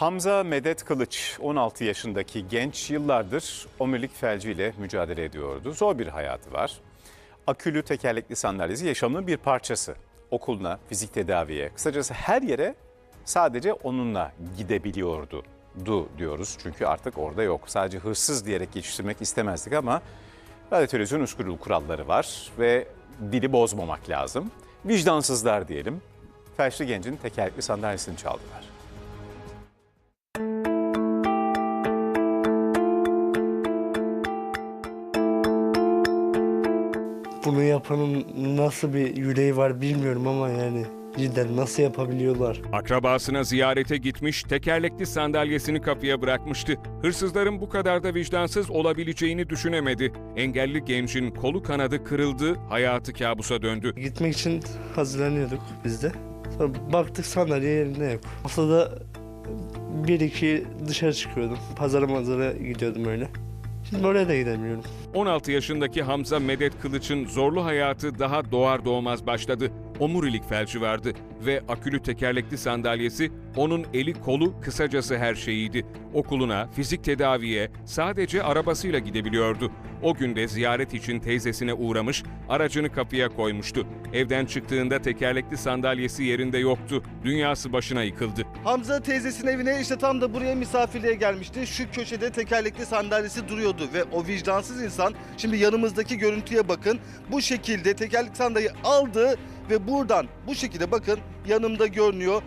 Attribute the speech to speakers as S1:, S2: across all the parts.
S1: Hamza Medet Kılıç, 16 yaşındaki genç, yıllardır omurilik felciyle mücadele ediyordu. Zor bir hayatı var. Akülü tekerlekli sandalyesi yaşamının bir parçası. Okuluna, fizik tedaviye, kısacası her yere sadece onunla gidebiliyordu. Diyoruz çünkü artık orada yok. Sadece hırsız diyerek geçiştirmek istemezdik ama radyo televizyon usul kuralları var ve dili bozmamak lazım. Vicdansızlar diyelim. Felçli gencin tekerlekli sandalyesini çaldılar.
S2: Bunu yapanın nasıl bir yüreği var bilmiyorum ama yani cidden nasıl yapabiliyorlar?
S3: Akrabasına ziyarete gitmiş, tekerlekli sandalyesini kapıya bırakmıştı. Hırsızların bu kadar da vicdansız olabileceğini düşünemedi. Engelli gencin kolu kanadı kırıldı, hayatı kabusa döndü.
S2: Gitmek için hazırlanıyorduk biz de. Sonra baktık sandalye yerinde yok. Haftada bir iki dışarı çıkıyordum. Pazara gidiyordum öyle. Şimdi oraya da gidemiyorum.
S3: 16 yaşındaki Hamza Medet Kılıç'ın zorlu hayatı daha doğar doğmaz başladı. Omurilik felci vardı ve akülü tekerlekli sandalyesi onun eli kolu, kısacası her şeyiydi. Okuluna, fizik tedaviye sadece arabasıyla gidebiliyordu. O gün de ziyaret için teyzesine uğramış, aracını kapıya koymuştu. Evden çıktığında tekerlekli sandalyesi yerinde yoktu. Dünyası başına yıkıldı.
S4: Hamza teyzesinin evine işte tam da buraya misafirliğe gelmişti. Şu köşede tekerlekli sandalyesi duruyordu ve o vicdansız insan, şimdi yanımızdaki görüntüye bakın, bu şekilde tekerlekli sandalyeyi aldı ve buradan bu şekilde bakın yanımda görünüyor.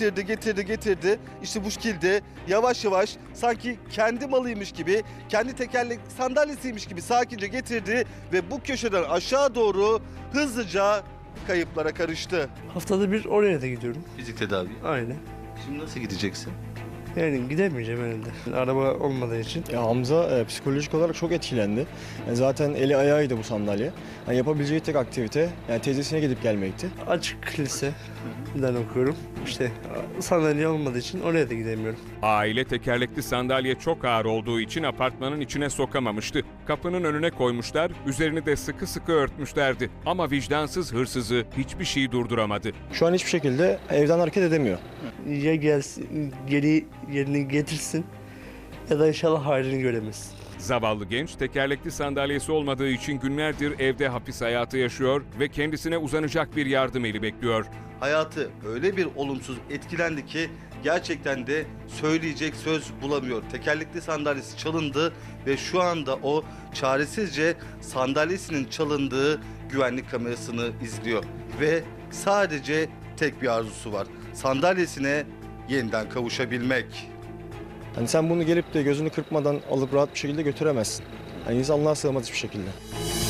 S4: Getirdi. İşte bu şekilde yavaş yavaş sanki kendi malıymış gibi, kendi tekerlekli sandalyesiymiş gibi sakince getirdi ve bu köşeden aşağı doğru hızlıca kayıplara karıştı.
S2: Haftada bir oraya da gidiyorum.
S4: Fizik tedavi.
S2: Aynen.
S4: Şimdi nasıl gideceksin?
S2: Yani gidemeyeceğim herhalde. Araba olmadığı için.
S5: Ya Hamza psikolojik olarak çok etkilendi. Yani zaten eli ayağıydı bu sandalye. Yani yapabileceği tek aktivite yani teyzesine gidip gelmekti.
S2: Açık liseden okuyorum. İşte sandalye olmadığı için oraya da gidemiyorum.
S3: Aile tekerlekli sandalye çok ağır olduğu için apartmanın içine sokamamıştı. Kapının önüne koymuşlar, üzerini de sıkı sıkı örtmüşlerdi. Ama vicdansız hırsızı hiçbir şey durduramadı.
S5: Şu an hiçbir şekilde evden hareket edemiyor.
S2: Ya gelsin, geri yerini getirsin ya da inşallah halini göremezsin.
S3: Zavallı genç tekerlekli sandalyesi olmadığı için günlerdir evde hapis hayatı yaşıyor ve kendisine uzanacak bir yardım eli bekliyor.
S4: Hayatı öyle bir olumsuz etkilendi ki gerçekten de söyleyecek söz bulamıyor. Tekerlekli sandalyesi çalındı ve şu anda o çaresizce sandalyesinin çalındığı güvenlik kamerasını izliyor. Ve sadece tek bir arzusu var: sandalyesine yeniden kavuşabilmek.
S5: Hani sen bunu gelip de gözünü kırpmadan alıp rahat bir şekilde götüremezsin. Yani insanlığa sığmaz hiçbir şekilde.